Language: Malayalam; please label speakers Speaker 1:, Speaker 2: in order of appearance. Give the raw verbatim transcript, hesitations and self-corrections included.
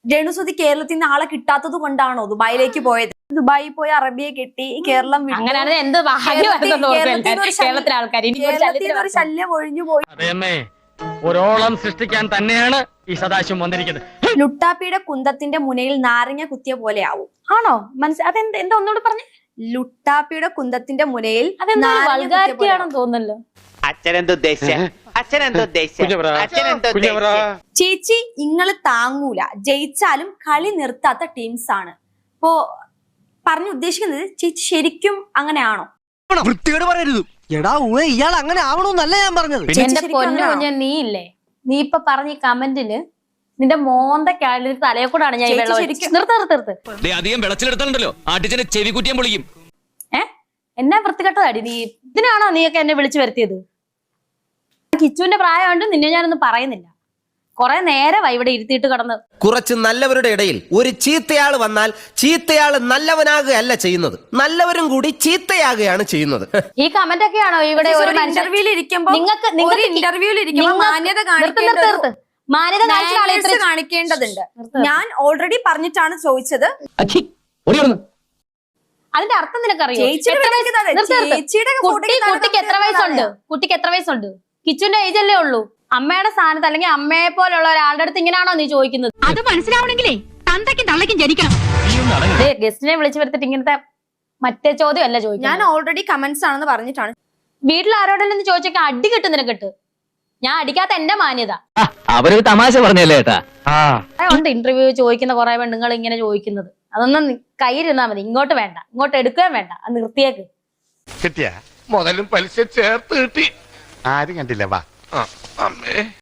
Speaker 1: രേണുസുതി കേരളത്തിൽ നിന്ന് ആളെ കിട്ടാത്തത് കൊണ്ടാണോ ദുബായിലേക്ക് പോയത്? ദുബായിൽ പോയി അറബിയെ കെട്ടി കേരളം ഒരു ശല്യം ഒഴിഞ്ഞു പോയി.
Speaker 2: ഒരോളം സൃഷ്ടിക്കാൻ തന്നെയാണ് ഈ സദാശിവം വന്നിരിക്കുന്നത്.
Speaker 1: ലുട്ടാപ്പിയുടെ കുന്തത്തിന്റെ മുനയിൽ നാരങ്ങ കുത്തിയ പോലെ ആവും. ആണോ? മനസ്സിൽ അതെന്താ എന്താ ഒന്നുകൂടെ പറഞ്ഞു? ലുട്ടാപ്പിയുടെ കുന്തത്തിന്റെ മുനയിൽ
Speaker 3: വൾഗാരിറ്റിയാണെന്ന് തോന്നുന്നല്ലോ.
Speaker 1: ചേച്ചി ഇങ്ങള് താങ്ങൂല, ജയിച്ചാലും കളി നിർത്താത്ത ടീംസ് ആണ്. ഇപ്പോ പറഞ്ഞു ഉദ്ദേശിക്കുന്നത് ചേച്ചി ശരിക്കും അങ്ങനെയാണോ?
Speaker 4: വൃത്തിയോട് പറയരുത്. എടാ ഊഹ ഇയാൾ അങ്ങനെ ആവണമെന്നല്ല ഞാൻ പറഞ്ഞത്.
Speaker 3: എന്റെ പൊന്നു കുഞ്ഞ നീ ഇല്ലേ, നീ ഇപ്പൊ പറഞ്ഞ കമന്റിന് നിന്റെ മോന്ത കാലിൽ തലയെ കൂടാണ് ഞാൻ
Speaker 5: അധികം വെളച്ചിലെടുത്താലുണ്ടല്ലോ ആട്ടിച്ചനെ ചെവി കുറ്റിയാൻ പൊളിക്കും.
Speaker 3: ഏ എന്നാ വൃത്തികെട്ടതാടി നീ. ഇതിനാണോ നീയൊക്കെ എന്നെ വിളിച്ചു വരുത്തിയത്? കിച്ചുവിന്റെ പ്രായമുണ്ട്, നിന്നെ ഞാനൊന്നും പറയുന്നില്ല. കുറെ നേരമായി ഇവിടെ ഇരുത്തിയിട്ട് കിടന്ന്.
Speaker 6: കുറച്ച് നല്ലവരുടെ ഇടയിൽ ഒരു ചീത്തയാൾ വന്നാൽ ചീത്തയാൾ നല്ലവനാകുകയല്ല ചെയ്യുന്നത്, നല്ലവരും കൂടി ചീത്തയാകുകയാണ് ചെയ്യുന്നത്.
Speaker 3: ഈ കമന്റ് ഒക്കെയാണോ ഇവിടെ ഒരു
Speaker 1: ഇന്റർവ്യൂവിൽ ഇരിക്കുമ്പോൾ നിങ്ങൾക്ക് ഇന്റർവ്യൂവിൽ ഇരിക്കുമ്പോൾ മാന്യത മാന്യത കാണിക്കേണ്ടതുണ്ട്. ഞാൻ ഓൾറെഡി പറഞ്ഞിട്ടാണ് ചോദിച്ചത്.
Speaker 3: അതിന്റെ അർത്ഥം നിനക്കറിയോ? കുട്ടിക്ക് എത്ര വയസ്സുണ്ട്? കുട്ടിക്ക് എത്ര വയസ്സുണ്ട്? കിച്ചുവിന്റെ ഏജ് അല്ലേ ഉള്ളൂ. അമ്മയുടെ സ്ഥാനത്ത് അല്ലെങ്കിൽ അമ്മയെ പോലുള്ള ഒരാളുടെ അടുത്ത് ഇങ്ങനെയാണോ നീ ചോദിക്കുന്നത്?
Speaker 7: അത് മനസ്സിലാവണെങ്കിലേ തന്തയ്ക്കും തള്ളയ്ക്കും ജനിക്കണം.
Speaker 3: ഗസ്റ്റിനെ വിളിച്ചു വരുത്തിട്ട് ഇങ്ങനത്തെ മറ്റേ ചോദ്യം അല്ല ചോദിക്കുന്നത്.
Speaker 1: ഞാൻ ഓൾറെഡി കമന്റ്സ് ആണെന്ന് പറഞ്ഞിട്ടാണ്.
Speaker 3: വീട്ടിൽ ആരോടെല്ലാം ചോദിച്ചൊക്കെ അടി കിട്ടും നിനക്കിട്ട്. ഞാൻ അടിക്കാത്ത എന്റെ മാന്യത.
Speaker 5: അവരൊരു തമാശ പറഞ്ഞല്ലേ ഏട്ടാ.
Speaker 3: ഉണ്ട് ഇന്റർവ്യൂ ചോദിക്കുന്ന കുറെ പെണ്ണുങ്ങൾ ഇങ്ങനെ ചോദിക്കുന്നത്. അതൊന്നും കയ്യിലിരുന്നാ മതി, ഇങ്ങോട്ട് വേണ്ട, ഇങ്ങോട്ട് എടുക്കുകയും വേണ്ട. അത് നിർത്തിയേക്ക്.
Speaker 8: കിട്ടിയ മുതലും പലിശ ചേർത്ത് കിട്ടി. ആരും കണ്ടില്ല. വാ അമ്മേ.